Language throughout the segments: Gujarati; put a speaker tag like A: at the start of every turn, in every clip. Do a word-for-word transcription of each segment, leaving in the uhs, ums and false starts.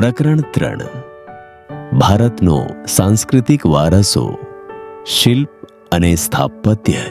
A: પ્રકરણ ત્રણ ભારતનો સાંસ્કૃતિક વારસો શિલ્પ અને સ્થાપત્ય.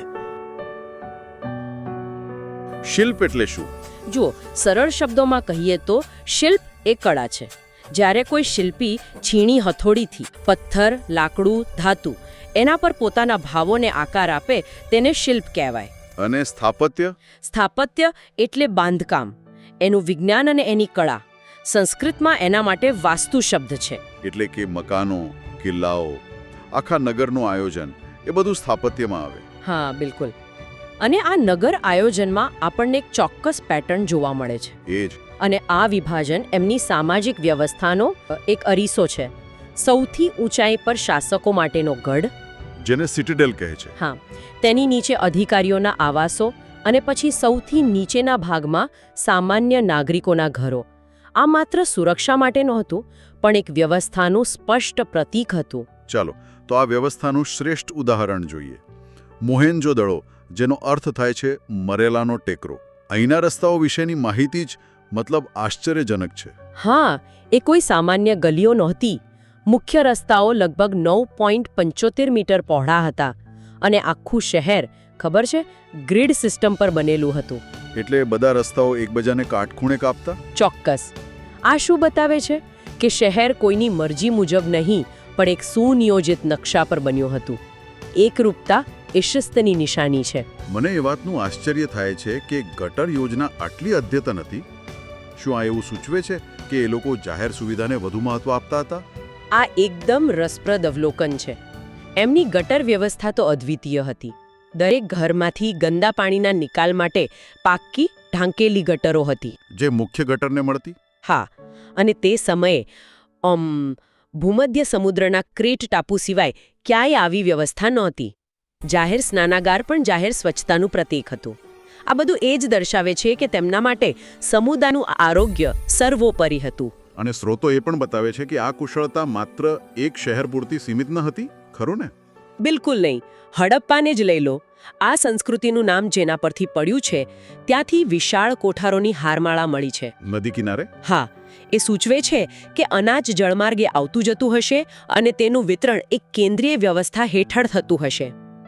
B: શિલ્પ એટલે શું?
C: જુઓ, સરળ શબ્દોમાં કહીએ તો શિલ્પ એ કળા છે. જ્યારે કોઈ શિલ્પી છીણી હથોડીથી પથ્થર, લાકડું, ધાતુ એના પર પોતાના ભાવોને આકાર આપે તેને શિલ્પ કહેવાય.
B: અને સ્થાપત્ય?
C: સ્થાપત્ય એટલે બાંધકામ, એનું વિજ્ઞાન અને એની કળા. સંસ્કૃતમાં એના માટે વાસ્તુ શબ્દ છે.
B: એટલે કે મકાનો, કિલ્લાઓ, આખા નગરનું આયોજન, એ બધું સ્થાપત્યમાં આવે.
C: હા, બિલકુલ. અને આ નગર આયોજનમાં આપણને એક ચોક્કસ પેટર્ન જોવા મળે છે.
B: એ જ.
C: અને આ વિભાજન એમની સામાજિક વ્યવસ્થાનો એક અરીસો છે. સૌથી ઊંચાઈ પર શાસકો માટેનો ગઢ,
B: જેને સિટીડેલ કહે છે.
C: હા, તેની નીચે અધિકારીઓના આવાસો અને પછી સૌથી નીચેના ભાગમાં સામાન્ય નાગરિકોના ઘરો. આ માત્ર સુરક્ષા માટે નહોતું, પણ એક વ્યવસ્થાનું સ્પષ્ટ પ્રતીક હતું.
B: ચાલો તો આ વ્યવસ્થાનું શ્રેષ્ઠ ઉદાહરણ જોઈએ. મોહેન્જો-દડો, જેનો અર્થ થાય છે મરેલાનો ટેકરો. અહીંના રસ્તાઓ વિશેની માહિતી જ મતલબ આશ્ચર્યજનક છે.
C: હા, એ કોઈ સામાન્ય ગલીઓ નહોતી. મુખ્ય રસ્તાઓ લગભગ નવ પોઈન્ટ પંચોતેર મીટર પહોળા હતા અને આખું શહેર, ખબર છે, ગ્રીડ સિસ્ટમ પર બનેલું હતું.
B: એટલે બધા રસ્તાઓ એકબીજાને કાટખૂણે કાપતા?
C: ચોક્કસ. આ શું બતાવે છે કે શહેર કોઈની મરજી મુજબ નહીં, પણ એક સુનિયોજિત નકશા પર બન્યું હતું. એકરૂપતા એ શિસ્તની નિશાની છે.
B: મને એ વાતનું આશ્ચર્ય થાય છે કે ગટર યોજના આટલી અદ્યતન હતી. શું આ એવું સૂચવે છે કે એ લોકો જાહેર સુવિધાને વધુ મહત્વ આપતા હતા?
C: આ એકદમ રસપ્રદ અવલોકન છે. એમની ગટર વ્યવસ્થા તો અદ્વિતીય હતી. દરેક ઘરમાંથી ગંદા પાણીના નિકાલ માટે પાક્કી ઢાંકેલી ગટરો હતી,
B: જે મુખ્ય ગટરને મળતી.
C: હા, અને તે સમયે અમ ભૂમધ્ય સમુદ્રના ક્રેટ ટાપુ સિવાય ક્યાંય આવી વ્યવસ્થા નહોતી. જાહેર સ્નાનાગાર પણ જાહેર સ્વચ્છતાનું પ્રતીક હતું. આ બધું એ જ દર્શાવે છે કે તેમના માટે સમુદાયનું આરોગ્ય સર્વોપરી હતું.
B: અને સ્રોતો એ પણ બતાવે છે કે આ કુશળતા માત્ર એક શહેર પૂરતી સીમિત ન હતી, ખરું ને?
C: બિલકુલ નહીં. હડપ્પાને જ લઈ લો. આ સંસ્કૃતિનું નામ જેના પરથી પડ્યું છે, ત્યાંથી વિશાળ કોઠારોની હારમાળા મળી છે.
B: નદી કિનારે?
C: હા, એ સૂચવે છે કે અનાજ જળમાર્ગે આવતું જતું હશે અને તેનું વિતરણ એક કેન્દ્રીય વ્યવસ્થા હેઠળ થતું હશે.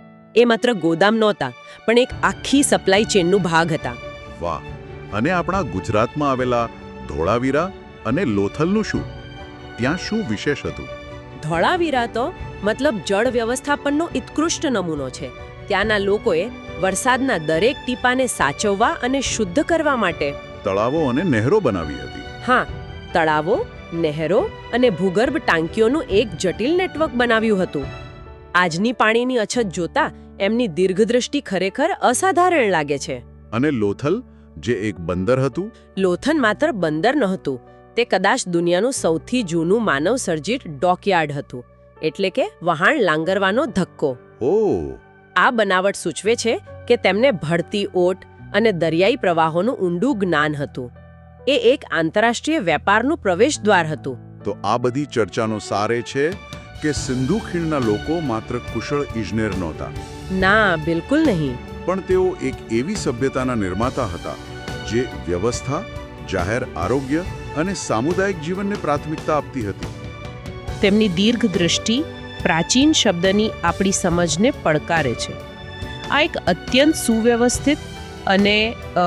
C: એ માત્ર ગોદામ નહોતા, પણ એક આખી સપ્લાય ચેનનો ભાગ હતા.
B: વાહ! અને આપણા ગુજરાતમાં આવેલા ધોળાવીરા અને લોથલનું શું? ત્યાં શું વિશેષ હતું?
C: ધોળાવીરા તો મતલબ જળ વ્યવસ્થાપનનો ઉત્કૃષ્ટ નમૂનો છે. ત્યાંના લોકોએ વરસાદના દરેક ટીપાને સાચવવા અને શુદ્ધ કરવા માટે
B: તળાવો અને નહેરો બનાવી હતી.
C: હા, તળાવો, નહેરો અને ભૂગર્ભ ટાંકીઓનું એક જટિલ નેટવર્ક બનાવ્યું હતું. આજની પાણીની અછત જોતા એમની દીર્ઘદ્રષ્ટિ ખરેખર અસાધારણ લાગે છે.
B: અને લોથલ, જે એક બંદર હતું?
C: લોથલ માત્ર બંદર નહોતું, તે કદાચ દુનિયાનું સૌથી જૂનું માનવ સર્જિત ડોકયાર્ડ હતું. એટલે કે વહાણ લાંગરવાનો ધક્કો.
B: ઓહ!
C: આ બનાવટ સૂચવે છે કે તેમને ભળતી ઓટ અને દરિયાઈ પ્રવાહોનું ઊંડું જ્ઞાન હતું. એ એક આંતરરાષ્ટ્રીય વેપારનું પ્રવેશદ્વાર હતું.
B: તો આ બધી ચર્ચાનો સાર એ છે કે સિંધુ ખીણના લોકો માત્ર કુશળ ઇજનેર નહોતા.
C: ના, બિલકુલ નહીં.
B: પણ તેઓ એક એવી સભ્યતાના નિર્માતા હતા જે વ્યવસ્થા, જાહેર આરોગ્ય અને સામુદાયિક જીવનને પ્રાથમિકતા આપતી હતી.
D: તેમની દીર્ઘ દૃષ્ટિ પ્રાચીન શબ્દની આપણી સમજને પડકારે છે. આ એક અત્યંત સુવ્યવસ્થિત અને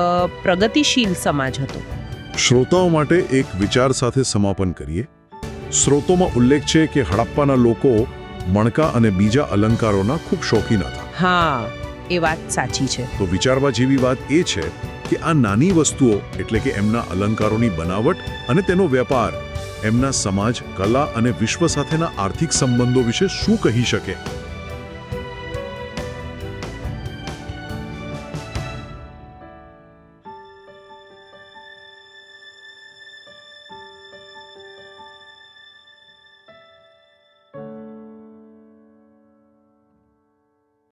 D: પ્રગતિશીલ સમાજ હતો.
B: શ્રોતાઓ માટે એક વિચાર સાથે સમાપન કરીએ. સ્રોતોમાં ઉલ્લેખ છે કે હડપ્પાના લોકો મણકા અને બીજા અલંકારોના ખૂબ શોખીન હતા.
D: હા, એ વાત સાચી છે.
B: તો વિચારવા જેવી વાત એ છે કે આ નાની વસ્તુઓ એટલે કે એમના અલંકારોની બનાવટ અને તેનો વેપાર એમના સમાજ, કલા અને વિશ્વ સાથેના આર્થિક સંબંધો વિશે શું કહી શકે?